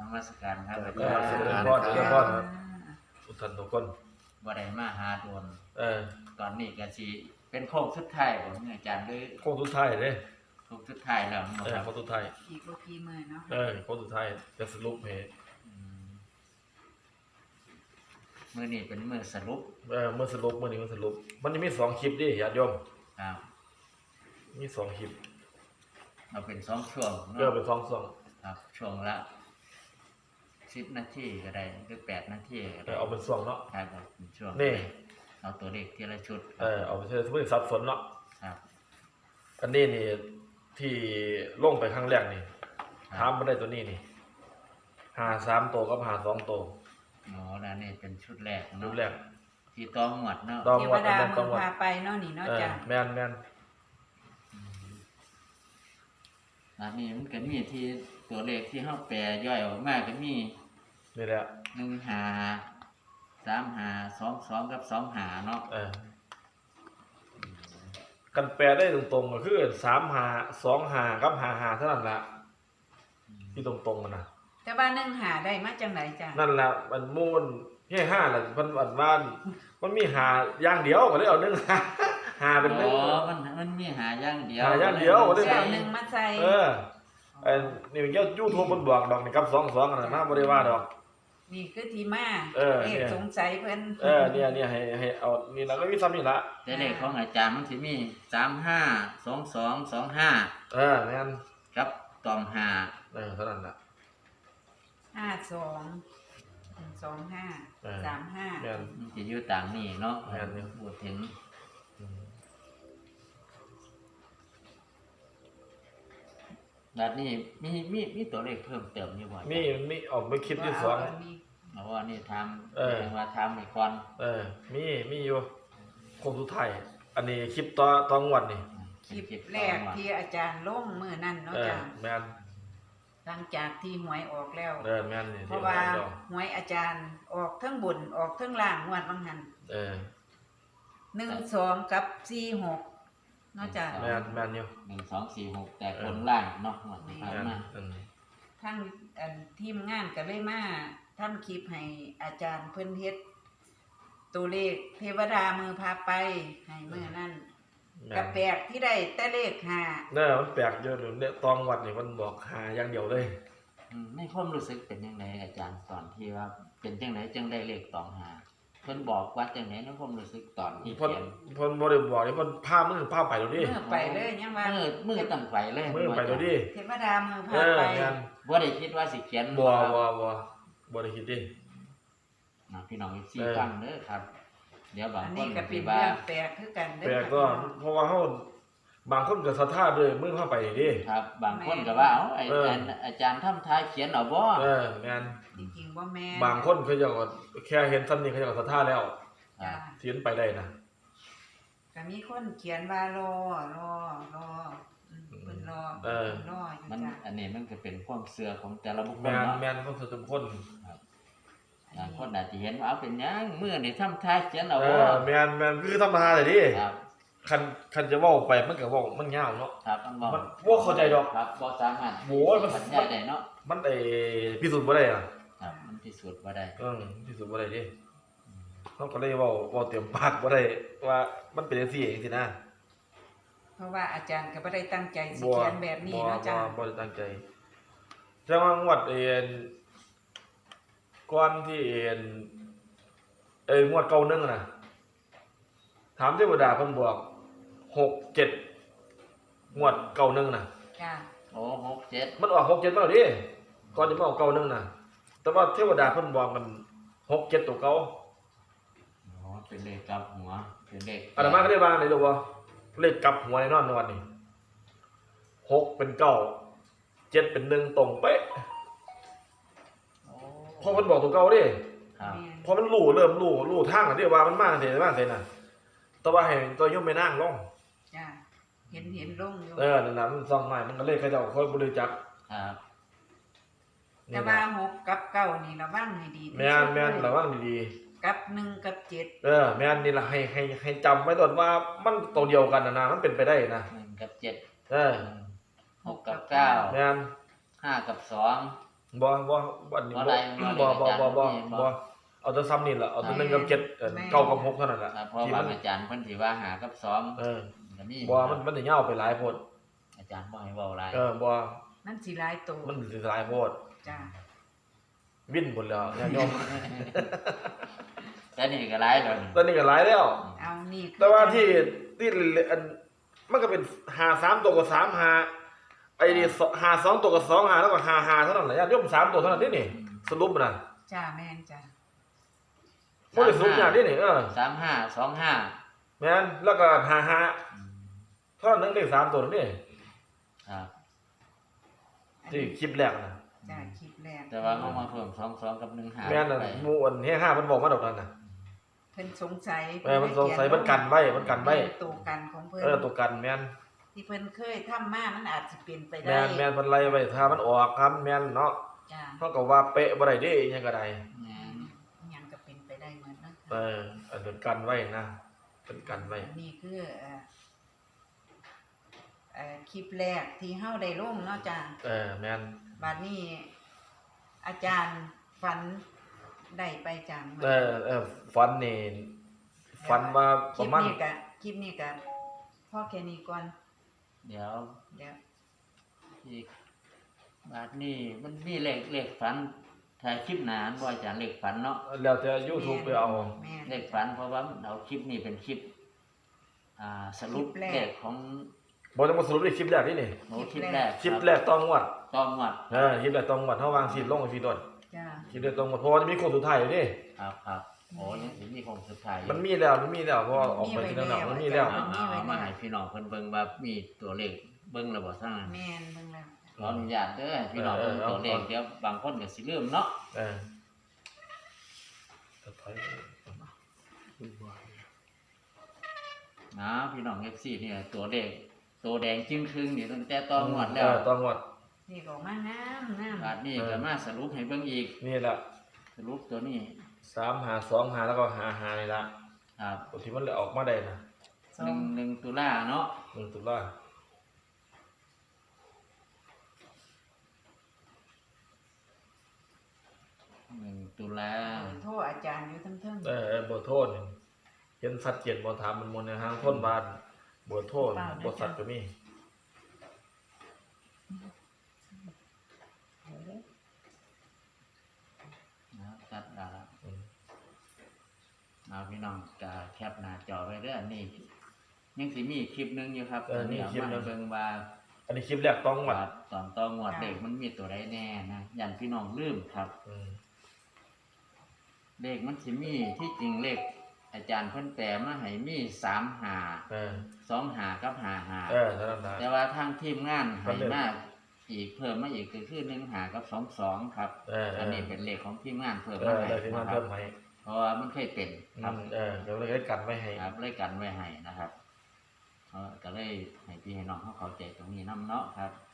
มัสการครับเสด็จพ่อครับทุกท่านทุกคนบ่ได้มาหาโดนอตอนนี้ก็สิเป็นโค้งสุดท้ายบ่อาจารย์ด้วยโค้งสุดท้ายเด้โค้งสุดท้ายแล้วเนาะครับโค้งสุดท้ายอีกบ่กี่มื้อเนาะโค้งสุดท้ายจะสรุปให้มื้อนี้เป็นมื้อสรุปเมื่อสรุปมื้อนี้มันสรุปมันจะมี2คลิปดิญาติโยมครับมี2คลิปเราเป็น2ช่วงเป็น2ช่วงครับช่วงละ10นาทีก็ได้หรือ8นาทีก็ได้เอาเป็นช่วงเนาะครับเป็นช่วงนี่เอาตัวเลขทีละชุดเอาไปใช้สมมุติสับสนเนาะครับอันนี้นี่ที่ลงไปครั้งแรกนี่ถามบ่ได้ตัวนี้นี่53ตัวกับ52ตัวอ๋อแล้วนี่เป็นชุดแรกรูเนาะปแรกที่ต้องหมวดเนาะต้องเทงววดดานั้นมืต้ององวดพาไปเนาะนี่เนาะจ้ะแม่นอันนี้มันก็มีที่ตัวเลขที่เฮาแปลย่อยออกมาก็มีนี่แหละ 1 5 3 5 2 2กับ2 5เนาะกันแปลได้ตรงๆก็คือ35 25กับ55เท่านั้นล่ะที่ตรงๆกันนะแต่ว่า1หาได้มาจังไดจ้ะนั่นแหละมันมูนเฮ้ห้าแหละมันว่านมันมีหาอย่างเดียวก็เลยเอาหนึ่งหาเป็นหนึ่งอ๋อมันมีหาอย่างเดียวหาอย่างเดียวสิเอาหนึ่งมาใส่ไอ้นี่มันยูทูบมันบอกดอกนี่กับ22อันนั้นนะบ่ได้ว่าดอกนี่คือที่มาเนี่ยสงสัยเพิ่นเนี่ยให้เอานี่ล่ะก็มีซ้ำนี่ล่ะแต่เลขของอาจารย์มันสิมี35 22 25 แม่นกับตอง5 เท่านั้นล่ะ 52 25 35 แม่นมันสิอยู่ต่างนี่เนาะแม่นอยู่พูดถึงแบบนี้มีตัวเลขเพิ่มเติมอยู่บ่มีออกไปคลิปที่สองเพราะว่านี่ทำเออเรียกว่าทำให้ก่อนมีอยู่คงสุดท้ายอันนี้คลิปต่องวดนี่คลิปแรกที่อาจารย์ลงมื้อนั้นเนาะจ้ะแม่นหลังจากที่หวยออกแล้วแม่นนี่เพราะว่าหวยอาจารย์ออกทั้งบนออกทั้งล่างงวดบางหัน 12 กับ 46เนาะจ้ะแม่นอยู่ 1 2 4 6แต่คนล่างเนาะหมดที่ผ่านมาทั้งทีมงานก็เลยมาทำคลิปให้อาจารย์เพิ่นเฮ็ดตัวเลขเทวดามือพาไปให้มื้อนั้นก็แปลกที่ได้แต่เลข5 มันแปลกอยู่เนี่ยตองวัดนี่มันบอกหาอย่างเดียวเลยในความรู้สึกเป็นยังไงอาจารย์ตอนที่ว่าเป็นจังไหนจังได้เลขตองหาเพิ่นบอกว่าจังไหนในความรู้สึกตอนที่เพิ่นเขียนบ่ได้บอกนี่เพิ่นพามือพาไปแล้วดิมื้อไปเลยยังว่ามือตั้งไฟเลยมือไปแล้วดิเทวดามือพาไปแม่นบ่ได้คิดว่าสิเขียนบ่ครับบ่ได้คิดดิพี่น้องอีก4ฟังเด้อครับ เดี๋ยวบางอันคนี้นก็เป็สินว่าเรื่องแปลกคือกันเด้แปลอกก็เพราะว่าเฮาบางคนก็ศรัทธาด้วยมือพาไปดิครับ บางคนก็ว่าเอ้าอาจารย์ทำทายเขียนเอาบ่แม่นจริงๆบ่แม่นบางคนเขาเจ้าก็แค่เห็นซ้ำนี่เขาเจ้าก็ศรัทธาแล้วจ้ะเทียนไปได้นะก็มีคนเขียนว่ารอเพิ่นรอรออยู่มันจ้ะอันนี้มันก็เป็นความเชื่อของแต่ละบุคคลแม่นเนาะแม่นคนทุกคนบางคนอาจจะเห็นว่าเอาเป็นหยังมื้อนี่ทำทายเขียนเอาบ่แม่นคือธรรมดาเลยดิครับคันจะเว้าไปมันก็เว้ามันยาวเนาะครับมันบอกมันบ่เข้าใจดอกครับบ่สามารถโอ้ยมันบรรยายได้เนาะมันพิสูจน์บ่ได้อ่ะครับมันพิสูจน์บ่ได้พิสูจน์บ่ได้ดิเขาก็เลยเว้าเต็มปากบ่ได้ว่ามันเป็นจังซี่จังซี่นะเพราะว่าอาจารย์ก็บ่ได้ตั้งใจสิเขียนแบบนี้เนาะจ้ะบ่ได้ตั้งใจแต่ว่างวดก่อนที่งวดเก่านึงน่ะถามเทวดาเพิ่นบอก6 7งวดเก่านึงน่ะจ้ะโอ้6 7 มันออก6 7มาแล้วดิก่อนจะมาออกเก่านึงน่ะแต่ว่าเทวดาเพิ่นบอกมัน6 7ตัวเก่าอ๋อเป็นเลขกลับหัวเป็นเลขอาตมาก็ได้วางได้รู้บ่เลขกลับหัวแน่นอนในวันนี้6เป็น9 7เป็น1ตรงเป๊ะโอ้พอเพิ่นบอกตัวเก่าดิครับพอมันเริ่มรู้ทางแล้วดิว่ามันมาจังซี่มาจังซี่น่ะแต่ว่าให้ตัวโยมไม่นั่งลงจ้ะเห็นลงอยู่นั่นน่ะมันซ่องใหม่มันก็เลยเขาเจ้าค่อยบ่รู้จักครับแต่ว่า6กับ9นี่ระวังให้ดีที่แม่สุนดแม่นเลยระวังดีกับ1กับ7 ๆแม่นนี่ล่ะให้จำไว้ตอนว่ามันตัวเดียวกันน่ะนะมันเป็นไปได้นะ 1กับ7 เออ 6กับ9 แม่น 5กับ2 บ่อันนี้บ่ได้บ่บ่ได้บ่อาจารย์บ่เอาแต่ซ้ำนี่ล่ะเอาแต่1กับ79กับ6เท่านั้นล่ะครับเพราะที่ว่ามันอาจารย์เพิ่นสิว่าหากับสองเออก็มีบ่มันสิยาวไปหลายโพดอาจารย์บ่ให้เว้าหลายบ่มันสิหลายตัวมันสิหลายโพดจ้าวิ่นหมดแล้วญาติโยมแต่นี่ก็หลายแล้วนี่ตอนนี้ก็หลายแล้วเอานี่คือแต่ว่าที่อันมันก็เป็น53ตัวกับ35ไอ้นี่52ตัวกับ25แล้วก็55เท่านั้นแหละญาติโยม3ตัวเท่านั้นนี่สรุปน่ะจ้าแม่นจ้าบ่ได้สรุปอย่างนี้นี่ 35 25 แม่นแล้วก็55เท่านั้นได้3ตัวนี่ครับที่คลิปแรกน่ะจ้าคลิปแรกแต่ว่าเฮามาเพิ่ม22กับ1หาแม่นน่ะไปหมู่อันเฮ5มันบอกมาดอกนั้นน่ะเพิ่นสงสัยมันสงสัยมันกันไว้มันกันไว้ตัวกันของเพิ่นตัวกันแม่นที่เพิ่นเคยทำมามันอาจสิเป็นไปได้แม่นเพิ่นไล่ไว้ถ้ามันออกครับแม่นเนาะจ้าเฮาก็ว่าเป๊ะบ่ได้เด้อิหยังก็ได้แม่นอิหยังก็เป็นไปได้เหมือนนั้นอันเป็นกันไว้นะเป็นกันไว้อันนี้คือคลิปแรกที่เฮาได้ลงเนาะจ้าแม่นบัดนี้อาจารย์ฝันได้ไปจังฟันนี่ฟันมาประมาณคลิปนี้ก็พอแค่นี้ก่อนเดี๋ยวเดี๋ยวอีกบาดนี้มันมีเลขฝันถ้าคลิปหน้าบ่อาจารย์เลขฝันเนาะแล้วแต่ YouTube ไปเอาแม่นเลขฝันเพราะว่าเอาคลิปนี้เป็นคลิปสรุปคลิปแรกเลขของบ่ต้องมาสรุปในคลิปแรกนี่โหคลิปแรกคลิปแรกต้องวัดต้องวัดคลิปแรกต้องวัดเฮาวางสิลงสิโดดจ้าคลิปแรกต้องวัดเพราะว่าจะมีโค้งสุดท้ายอยู่นี่ครับโอ้ยังสิมีคงสุดท้ายอยู่มันมีแล้วเพราะว่าออกไปที่นั่นแล้วมันมีแล้วเอามาให้พี่น้องเพิ่นเบิ่งว่ามีตัวเลขเบิ่งแล้วบ่ซั่นแม่นเบิ่งแล้วขออนุญาตเด้อพี่น้องเบิ่งตัวเลขเดี๋ยวบางคนก็สิลืมเนาะ นะพี่น้อง FC เนี่ยตัวเลขตัวแดงจึ้งครึ่งนี่ตั้งแต่ตอนงวดแล้วต้องวัดนี่ก็มาน้ำบาดนี้ก็มาสรุปให้เบิ่งอีกนี่แหละสรุปตัวนี้ 3 5 2 5แล้วก็5 5นี่ละครับตัวที่มันเลยออกมาได้นะ 1 ตุลาเนาะ 1ตุลา 1 ตุลาโทษอาจารย์อยู่ทั้งเทิงเบอร์โทรนี่เห็นสัดเจนบ่ถามมันมนในห้างคนบ้านเบอร์โทรบ่สัดก็มีนะตัดดาละเอาพี่น้องก็แคปหน้าจอไว้เด้อนี่ยังสิมีคลิปหนึงอยู่ครับตัวนี้เอามาให้เบิ่งว่าอันนี้คลิปแรกต้องวัดตอนต่องวดเลขมันมีตัวใดแน่นะยันพี่น้องลืมครับ เลขมันสิมีที่จริงเลขอาจารย์เพิ่นแปลมาให้มี3 2 5กับ5 5 เท่านั้นได้แต่ว่าทางทีมงานให้มาอีกเพิ่มมาอีกก็คือ1 5กับ2 2ครับอันนี้เป็นเลขของทีมงานเพิ่มมาให้ได้ที่มันนะครัเพิ่บมให้เพราะว่ามันเคยเป็นครับเดี๋ยวเลยกันไว้ให้ครับเลยกันไว้ให้นะครับก็เลยให้พี่ให้น้องเขาเข้าใจตรงนี้นำเนาะครับ